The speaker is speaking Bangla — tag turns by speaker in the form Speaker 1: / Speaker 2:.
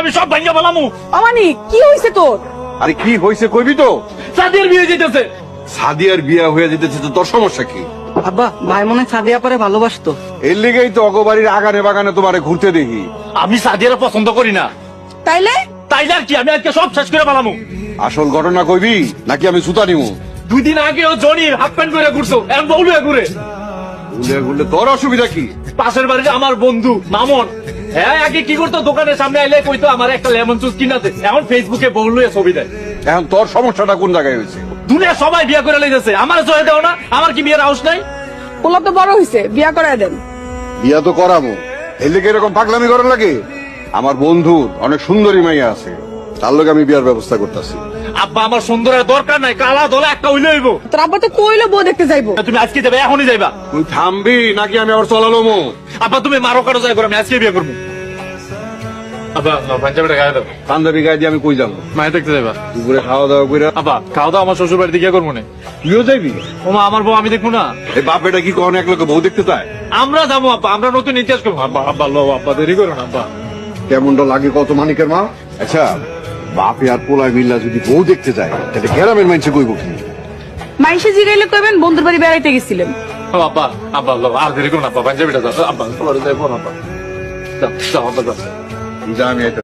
Speaker 1: আমি সব ভাঙ্গা বলামু।
Speaker 2: অমানি কি হয়েছে তোর?
Speaker 3: আরে কি হয়েছে কইবি তো?
Speaker 1: সাদিয়ার বিয়ে যেতেছে।
Speaker 3: সাদিয়ার বিয়া হয়ে যেতেছে তো তোর সমস্যা কি?
Speaker 4: আব্বা ভাই মনে হয় সাদিয়া পরে ভালোবাসতো।
Speaker 3: এর লেগেই তো অগবাড়ির আগানে বাগানে তোমারে ঘুরতে দেখি।
Speaker 1: আমি সাদিয়ার পছন্দ করি না।
Speaker 2: তাইলে
Speaker 1: তাইলে আর কি, আমি আজকে সব শেষ করে বলামু।
Speaker 3: আসল ঘটনা কইবি নাকি আমি সুতা নিমু?
Speaker 1: 2 দিন আগে ও জনির হাফ প্যান্ট করে ঘুরছো, এখন বউলুয়া ঘুরে।
Speaker 3: ঘুরলে ঘুরলে তোর অসুবিধা কি?
Speaker 1: পাশের বাড়িতে আমার বন্ধু মামন, হ্যাঁ আগে কি করতো, দোকানের সামনে আইলে কইতো আমার একটা লেমন জুস কিনাতে, এখন ফেসবুকে বউলুয়া ছবি দেয়।
Speaker 3: এখন তোর সমস্যাটা কোন জায়গায় হয়েছে?
Speaker 1: দুনিয়া সবাই বিয়ে করে লেগেছে, আমার জয় দেও না? আমার কি বিয়ের হাউস নাই?
Speaker 2: পোলা তো বড় হয়েছে, বিয়া করায় দেন।
Speaker 3: বিয়া তো করাবো, এর লেগে এরকম পাগলামি করার লাগে? আমার বন্ধুর অনেক সুন্দরী মাইয়া আছে, তার লোক আমি বিয়ার ব্যবস্থা করতেছি।
Speaker 1: আব্বা আমার সুন্দরের দরকার নাই, কালা দলা একটা হইলে হইব।
Speaker 2: তোর আব্বা তো কইলো বউ দেখতে যাইবো।
Speaker 1: তুমি আজকে যাবে, এখনই যাইবা?
Speaker 3: তুই থামবি নাকি আমি আবার চলালো মো?
Speaker 1: আব্বা তুমি মারো কারো যাই করো, আমি আজকে বিয়ে করবো। আব্বা পাঞ্জাবিটা গায়ে দাও।
Speaker 3: পাঞ্জাবি গায়ে দিয়ে আমি কই যাবো?
Speaker 1: মায়ের দেখতে যাইবা?
Speaker 3: দুপুরে খাওয়া দাওয়া করে
Speaker 1: আব্বা খাওয়া দাওয়া আমার শ্বশুর বাড়িতে গিয়ে করবো না।
Speaker 3: তুইও যাবি?
Speaker 1: ওমা আমার বউ আমি দেখবো না?
Speaker 3: এই বাপ বেটা কি কখনো এক লোকে বউ দেখতে চায়?
Speaker 1: আমরা যাবো আব্বা, আমরা নতুন ইতিহাস করবো। আব্বা আব্বা লো, আব্বা দেরি করো না আব্বা।
Speaker 3: কেমনটা লাগে কত মানিকের মা? আচ্ছা বাপে আর পোলায় মিল্লা যদি বউ দেখতে যায় তাহলে গ্রামের মানুষে কইব কি?
Speaker 2: মাইসে জিগাইলে কইবেন বন্ধুর বাড়ি বেড়াইতে গেছিলেন।
Speaker 1: ও আব্বা আব্বা লো, আর দেরি করো না আব্বা, পাঞ্জাবিটা দাও আব্বা, পরে যাইবো না আব্বা। যাও যাও আব্বা যাও।
Speaker 3: যা আমি